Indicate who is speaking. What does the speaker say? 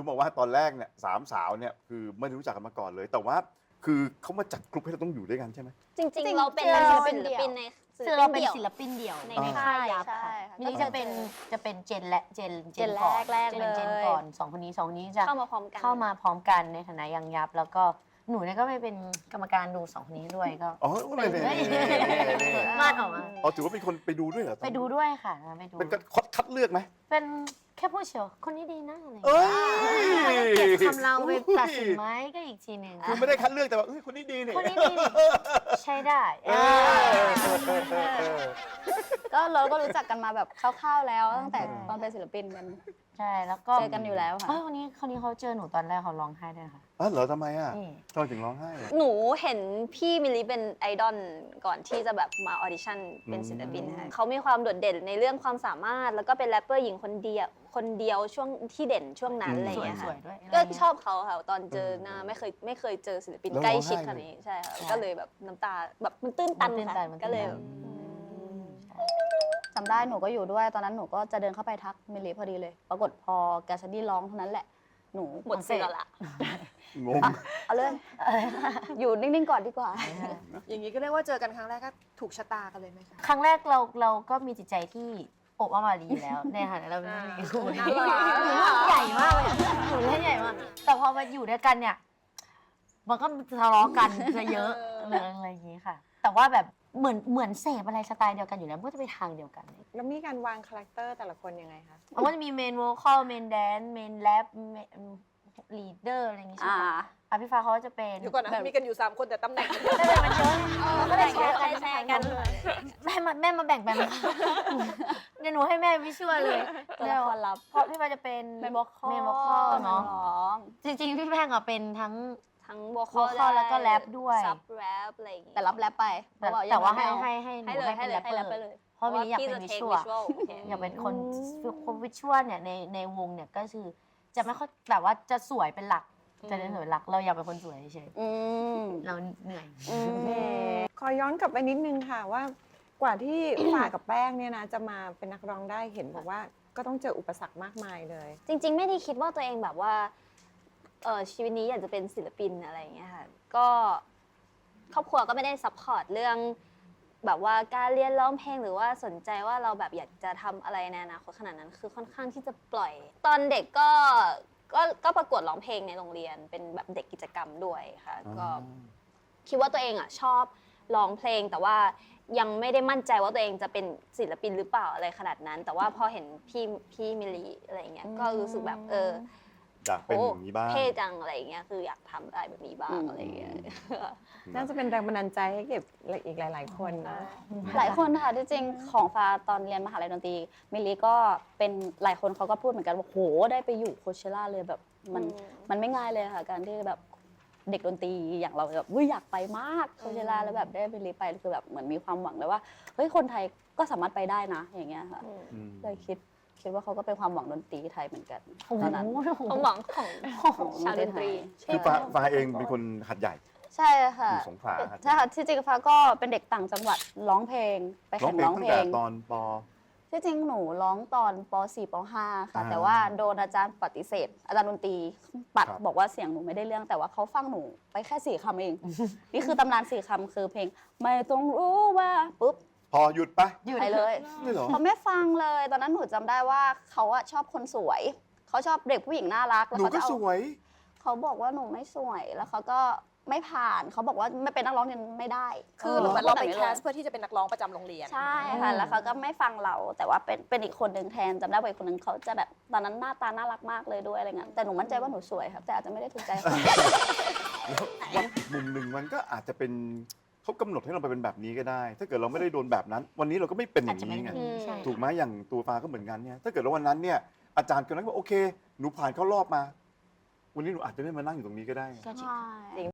Speaker 1: รู้มาว่าตอนแรกเนี่ยสามสาวเนี่ยคือไม่ได้รู้จักกันมาก่อนเลย แต่ว่าคือเขามาจัดกลุ่มให้เราต้องอยู่ด้วยกันใช่ไหม
Speaker 2: จริงๆเราเป็น
Speaker 3: เรา
Speaker 2: ศิ
Speaker 3: เป็น
Speaker 2: ลปินใน
Speaker 3: คือเราเป็นศิลปินเดี่ยว
Speaker 2: ใน
Speaker 3: ใน
Speaker 2: ค่า
Speaker 3: ค่าย ยยับ
Speaker 2: ใช่
Speaker 3: ค่ะ
Speaker 2: ค่ะ
Speaker 3: มิลลี่จะเป็นเจนและเจน
Speaker 2: เจน
Speaker 3: ก่อน
Speaker 2: แรก
Speaker 3: จะ
Speaker 2: เล
Speaker 3: เป็น
Speaker 2: ย
Speaker 3: เจนก่อนสองคนนี้จะ
Speaker 2: เข้ามาพร้อมกัน
Speaker 3: เข้ามาพร้อมกันในฐานะยังยับ แล้วก็หนูเนี่ยก็ไปเป็นกรรมการดูสองคนนี้ด้วยก็
Speaker 1: อ๋อเนี่ย
Speaker 3: มาดออกมา
Speaker 1: อ๋อถือว่าเป็นคนไปดูด้วยเหรอ
Speaker 3: ไปดูด้วยค่ะไปดู
Speaker 1: เป็นคัดเลือกไหม
Speaker 3: เป็นแค่ผู้เชียวคนนี้ดีนะอะไรอย่าง
Speaker 1: เอ้
Speaker 3: เงี้ย
Speaker 1: ย
Speaker 3: เก็บคำเราไปตัดสินไหมก็อีกทีหนึ่ง
Speaker 1: คือไม่ได้คัดเลือกแต่ว่าคนนี้ดีเนี่ย
Speaker 3: คนนี้ดีใช้ได้
Speaker 2: ก็เราก็รู้จักกันมาแบบคร่าวๆแล้วตั้งแต่ตอนเป็นศิลปินกัน
Speaker 3: ใช่แล้วก็
Speaker 2: เจอกันอยู่แล้วค่ะ
Speaker 3: คนนี้เขาเจอหนูตอนแรกเขาร้องไห้ด้วยค่ะ
Speaker 1: อ๋อเหรอทำไมอ่ะ
Speaker 3: นี่
Speaker 1: ทำไมถึงร้องไห้อะ
Speaker 2: หนูเห็นพี่มิลลีเป็นไอดอลก่อนที่จะแบบมาออดิชั่นเป็นศิลปินค่ะเขามีความโดดเด่นในเรื่องความสามารถแล้วก็เป็นแรปเปอร์หญิงคนเดียวช่วงที่เด่นช่วงนั้นอะไรอย่างเงี้ย
Speaker 3: ส
Speaker 2: ค่ะ
Speaker 3: วยๆด้วย
Speaker 2: ก็ชอบเขาค่ะตอนเจอหน้าไม่เคยเจอศิลปินใกล้ชิดขนาดนี้ใช่ค่ะก็เลยแบบน้ำตาแบบมันตื้นตันค่ะก็เลยแบบ จำได้หนูก็อยู่ด้วยตอนนั้นหนูก็จะเดินเข้าไปทักมิลลีพอดีเลย ปรากฏพอแกสดี้ร้องเท่านั้นแหละหนูหมดเสือละ
Speaker 1: งง
Speaker 2: เอาเลยอยู่นิ่งๆก่อนดีกว่า
Speaker 4: อย่างนี้ก็เรียกว่าเจอกันครั้งแรกก็ถูกชะตากันเลยไหมคะ
Speaker 3: ครั้งแรกเราก็มีจิตใจที่อบอ้อมอารีอยู่แล้วในฐานะเราเป็นผู้หญิงคู่นี้
Speaker 4: น่ารัก
Speaker 3: ใหญ่มากเลยหนูเล่นใหญ่มากแต่พอมาอยู่ด้วยกันเนี่ยมันก็ทะเลาะกันจะเยอะอะไรอย่างนี้ค่ะ แต่ว่าแบบเหมือนเสพอะไรสไตล์เดียวกันอยู่แล้วมันก็จะไปทางเดียวกัน
Speaker 4: แล้วมีการวางคาแรคเตอร์แต่ละคนยังไงคะ
Speaker 3: มันก็จะมีเมนโวคอลเมนแดนเมนแรปลีดเดอร์อะไรอย่างงี้ใช่ไหมคะพี่ฟ้าเขาจะเป็น
Speaker 4: เดี๋ยวก่อนนะ มีกันอยู่ 3 คนแต่ตำแหน่ง
Speaker 3: ก็เลยมันเยอะก็เลยแชร์กัน
Speaker 2: แชร์กัน
Speaker 3: แม่มาแบ่งไปไหมคะเดี๋ยวหนูให้แม่วิชวลเลย
Speaker 2: ตัวละครลับ
Speaker 3: เพราะพี่ฟ้าจะเป็น
Speaker 2: เมนโวคอล
Speaker 3: เมนโวคอลเนาะ
Speaker 2: ร้อง
Speaker 3: จริงๆพี่แป้งอะเป็นทั้ง
Speaker 2: ทั้งโวคอล
Speaker 3: vocal แล้วก็แรปด้วย
Speaker 2: ซับแรปอะไรอย่างงี้แต่รับแรปไป
Speaker 3: แต่ว่าให้
Speaker 2: ยังไม่
Speaker 3: ให้หนู
Speaker 2: ให้เลย
Speaker 3: ให้เป็นแรปเปอ
Speaker 2: ให้
Speaker 3: ร์
Speaker 2: ไปเลย
Speaker 3: เพราะมิลลี่อยาก
Speaker 2: พี่
Speaker 3: เป็น
Speaker 2: จะ
Speaker 3: วิ
Speaker 2: take
Speaker 3: ชวล
Speaker 2: visual โอเค
Speaker 3: อยากเป็นคนวิชวลเนี่ยในวงเนี่ยก็คือจะไม่ค่อยแบบว่าจะสวยเป็นหลักจะเน้นสวยเป็นหลักเราอยากเป็นคนสวยเฉย
Speaker 2: อืม
Speaker 3: ๆเราเหนื่อย
Speaker 4: ขอย้อนกลับไปนิดนึงค่ะว่ากว่าที่ ฝ่ากับแป้งเนี่ยนะจะมาเป็นนักร้องได้เห็นบอกว่าก็ต้องเจออุปสรรคมากมายเลย
Speaker 2: จริง ๆ ไม่ได้คิดว่าตัวเองแบบว่าชีวิตนี้อยากจะเป็นศิลปินอะไรอย่างเงี้ยค่ะก็ครอบครัวก็ไม่ได้ซัพพอร์ตเรื่องแบบว่าการเรียนร้องเพลงหรือว่าสนใจว่าเราแบบอยากจะทำอะไรในอนาคตขนาดนั้นคือค่อนข้างที่จะปล่อย ตอนเด็กก็ประกวดร้องเพลงในโรงเรียนเป็นแบบเด็กกิจกรรมด้วยค่ะก็คิดว่าตัวเองอ่ะชอบร้องเพลงแต่ว่ายังไม่ได้มั่นใจว่าตัวเองจะเป็นศิลปินหรือเปล่าอะไรขนาดนั้น แต่ว่าพอเห็นพี่มิลลีอะไรอย่างเงี้ยก็รู้สึกแบบ
Speaker 1: อยากเป็นอย่างนี้บ้าง
Speaker 2: เท่จังอะไรอย่างเงี้ยคืออยากทำอะไรแบบนี้บ้างอะไรอย่างเงี้ย
Speaker 4: น่าจะเป็นแรงบันดาลใจให้เก็บอีกหลาย ๆ คนนะ
Speaker 2: หลายคนค่ะที่จริงของฟ้าตอนเรียนมหาลัยดนตรีมิลลีก็เป็นหลายคนเขาก็พูดเหมือนกันว่าโหได้ไปอยู่โคเชล่าเลยแบบมันไม่ง่ายเลยค่ะการที่แบบเด็กดนตรีอย่างเราแบบอยากไปมากโคเชล่าแล้วแบบได้มิลลีไปคือแบบเหมือนมีความหวังเลยว่าเฮ้ยคนไทยก็สามารถไปได้นะอย่างเงี้ยค่ะเลยคิดว่าเขาก็เป็นความหวังดนตรีไทยเหมือนกันตอนนั้นความหวังของชาวดนตรี
Speaker 1: คือฟ้าเองเป็นคนหัดใหญ่
Speaker 2: ใช่ค่ะ
Speaker 1: อยู่สงขลา
Speaker 2: ใช่ค่ะที่จริงฟ้าก็เป็นเด็กต่างจังหวัดร้องเพลงไป
Speaker 1: ร้อ
Speaker 2: แข่
Speaker 1: ง
Speaker 2: ง
Speaker 1: เพลง
Speaker 2: ร้อง
Speaker 1: ตั้
Speaker 2: เพ
Speaker 1: ง
Speaker 2: ล
Speaker 1: แต่
Speaker 2: ง
Speaker 1: ตอนป
Speaker 2: ที่จริงหนูร้องตอนป .4 ป .5 ค่ะแต่ว่าโดนอาจารย์ปฏิเสธ อาจารย์ดนตรีปัดบอกว่าเสียงหนูไม่ได้เรื่องแต่ว่าเขาฟังหนูไปแค่4 คำเอง นี่คือตำนาน4 คำคือเพลงไม่ต้องรู้ว่าปุ๊บ
Speaker 1: พอหยุดปะ
Speaker 2: ไปเลย
Speaker 1: นี่เหรอ
Speaker 2: เขาไม่ฟังเลยตอนนั้นหนูจำได้ว่าเขาอะชอบคนสวยเขาชอบเด็กผู้หญิงน่ารักแล้ว
Speaker 1: หนู
Speaker 2: เขา
Speaker 1: ก็
Speaker 2: จะเอา
Speaker 1: สวย
Speaker 2: เขาบอกว่าหนูไม่สวยแล้วเขาก็ไม่ผ่านเขาบอกว่าไม่เป็นนักร้องเนี่ยไม่ได้
Speaker 4: คือเหมือนเราไปแคสเพื่อที่จะเป็นนักร้องประจำโรงเรียน
Speaker 2: ใช่ค่ะแล้วเขาก็ไม่ฟังเราแต่ว่าเป็นอีกคนหนึ่งแทนจำได้ว่าอีกคนหนึ่งเขาจะแบบตอนนั้นหน้าตาน่ารักมากเลยด้วยอะไรเงี้ยแต่หนูมั่นใจว่าหนูสวยครับแต่อาจจะไม่ได้ถูกใจเขา
Speaker 1: แล้วมุมหนึ่งมันก็อาจจะเป็นเขากำหนดให้เราไปเป็นแบบนี้ก็ได้ ถ้าเกิดเราไม่ได้โดนแบบนั้น วันนี้เราก็ไม่เป็นอย่างนี้ไง
Speaker 3: ใช่
Speaker 1: ถูกไหมอย่างตัวฟ้าก็เหมือนกันเนี่ยถ้าเกิดว่าวันนั้นเนี่ยอาจารย์คนนั้นบอกโอเคหนูผ่านเข้ารอบมา วันนี้หนูอาจจะไม่มานั่งอยู่ตรงนี้ก็ได้
Speaker 3: ก็
Speaker 2: ใช่